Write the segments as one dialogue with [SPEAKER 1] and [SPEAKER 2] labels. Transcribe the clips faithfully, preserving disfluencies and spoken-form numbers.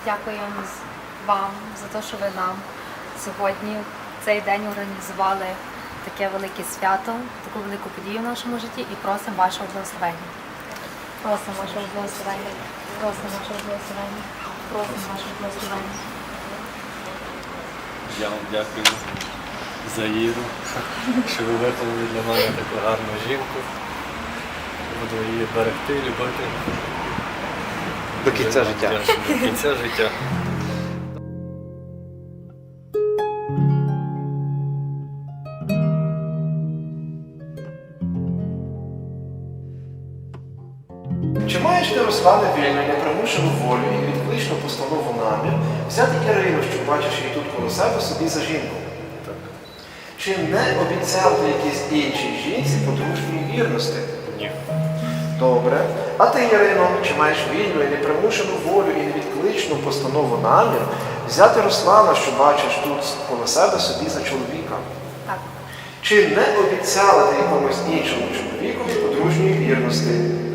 [SPEAKER 1] дякуємо вам за те, що ви нам сьогодні в цей день організували таке велике свято, таку велику подію в нашому житті і просимо вашого благословення. Просимо вашого благословення. Просимо вашого благословення. Просимо вашого благословення.
[SPEAKER 2] Я вам дякую за Іру, що ви виховали для мене таку гарну жінку. Буду її берегти, любити.
[SPEAKER 3] До кінця життя.
[SPEAKER 2] До кінця життя.
[SPEAKER 4] Чи маєш ти, Руслане, вільну, непримушену волю і відкличну постанову намір взяти Ірину, що бачиш її тут коло себе, собі за жінку?
[SPEAKER 2] Так.
[SPEAKER 4] Чи не обіцяв ти якійсь іншій жінці подружньої вірності?
[SPEAKER 2] Ні.
[SPEAKER 4] Добре. А ти, Ірино, чи маєш вільну і непримушену волю і невідкличну постанову намір взяти Руслана, що бачиш тут коло себе, собі за чоловіка?
[SPEAKER 1] Так.
[SPEAKER 4] Чи не обіцяла ти якомусь іншому чоловікові подружньої вірності?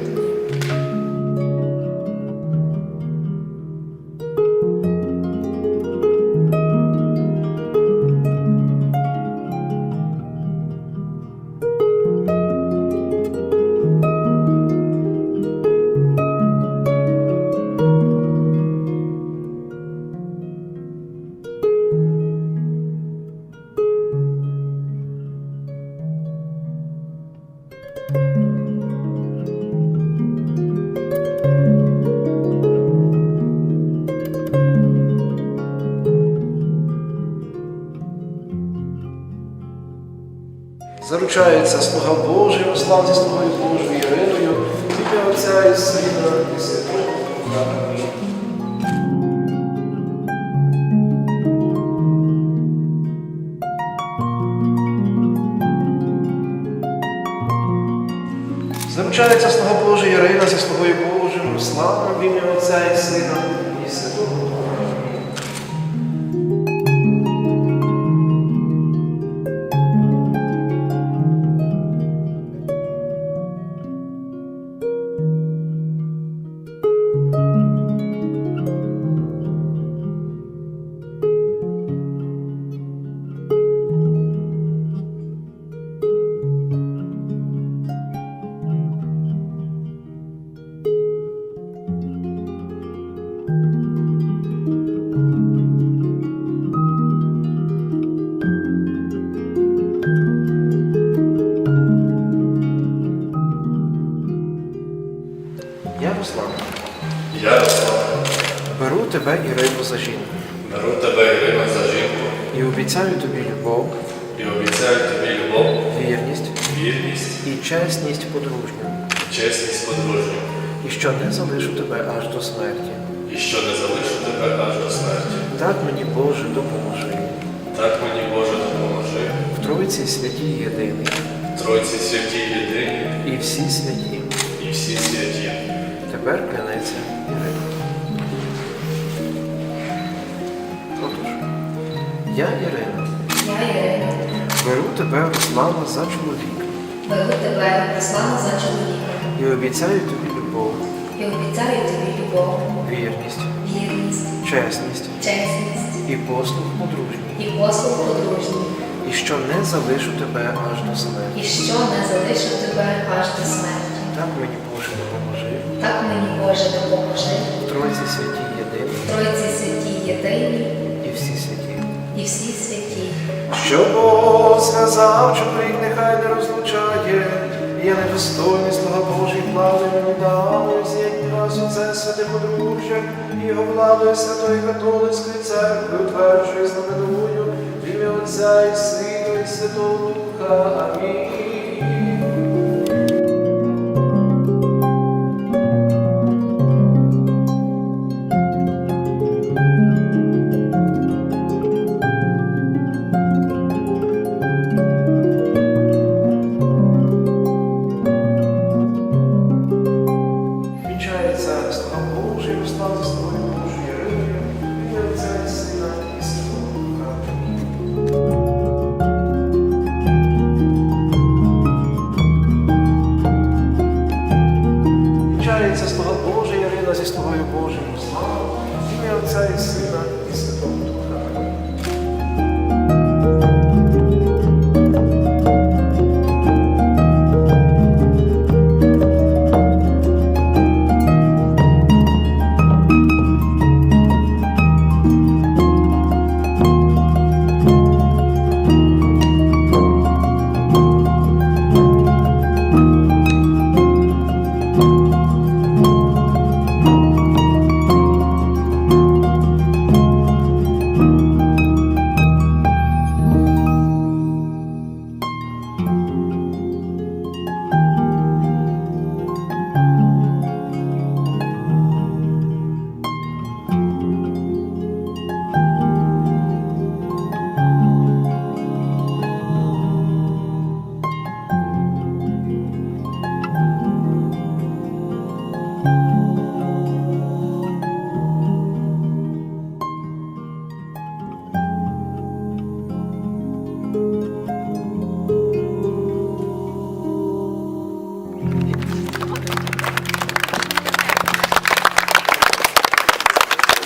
[SPEAKER 4] Заручається слуга Божий, Руслан зі слугою Божою Іриною, в ім'я Отця і Сина і Святого Духа. Амінь. Заручається слуга Божий Ірина зі слугою Божим, Русланом, в ім'я Отця і Сина і Святого Духа. Амінь. Я, Руслан,
[SPEAKER 5] Я, Руслан,
[SPEAKER 4] беру тебе, Ірину, за жінку
[SPEAKER 5] беру тебе, Ірина, за жінку
[SPEAKER 4] і обіцяю тобі любов,
[SPEAKER 5] і обіцяю тобі любов,
[SPEAKER 4] вірність
[SPEAKER 5] вірність
[SPEAKER 4] і чесність подружню,
[SPEAKER 5] і чесність подружню,
[SPEAKER 4] і що не залишу тебе аж до смерті.
[SPEAKER 5] і що не залишу тебе аж до смерті.
[SPEAKER 4] Так мені, Боже, допоможи.
[SPEAKER 5] Так мені, Боже, допоможи,
[SPEAKER 4] В Тройці святій єдиний
[SPEAKER 5] Тройці святі єдині
[SPEAKER 4] і всі святі.
[SPEAKER 5] і всі святі.
[SPEAKER 4] Тепер клянеться Ірина. Отож, я, Ірина,
[SPEAKER 6] Я, Ірина,
[SPEAKER 4] беру тебе, Руслана, за чоловіка
[SPEAKER 6] беру тебе, Руслана, за чоловіка
[SPEAKER 4] і обіцяю тобі любов,
[SPEAKER 6] і обіцяю тобі любов,
[SPEAKER 4] вірність,
[SPEAKER 6] вірність,
[SPEAKER 4] чесність
[SPEAKER 6] чесність
[SPEAKER 4] і послуг подружній,
[SPEAKER 6] і послуг подружній,
[SPEAKER 4] і що не залишу тебе аж до смерті.
[SPEAKER 6] і що не залишу тебе аж до смерті.
[SPEAKER 4] Так мені, Боже, допоможи.
[SPEAKER 6] Так мені, Боже, допоможи,
[SPEAKER 4] В Тройці святій єдиний
[SPEAKER 6] Тройці святі єдині
[SPEAKER 4] і всі святі.
[SPEAKER 6] і всі святі.
[SPEAKER 4] Що Бог зв'язав, чоловік нехай не розлучає. Я недостойний, слуга Божий, влади мені дали, з'єдні нас у це святе подружжя, і його владою Святої Католицької церкви утверджує, знаменую, в ім'я Отця і Сина і Святого Духа. Амінь. Вінчається слуга Божий, Руслан зі слугою Божою Іриною, в ім'я Отця і Сина і Святого Духа. Амінь. слуга Божий Ірина зі слугою Божим узнала, ім'я Отця і Сина і Святого Духа.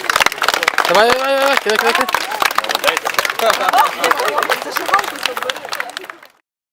[SPEAKER 3] Давай, давай, давай, кидай, кидай, кидай.
[SPEAKER 7] Це ж галку, щоб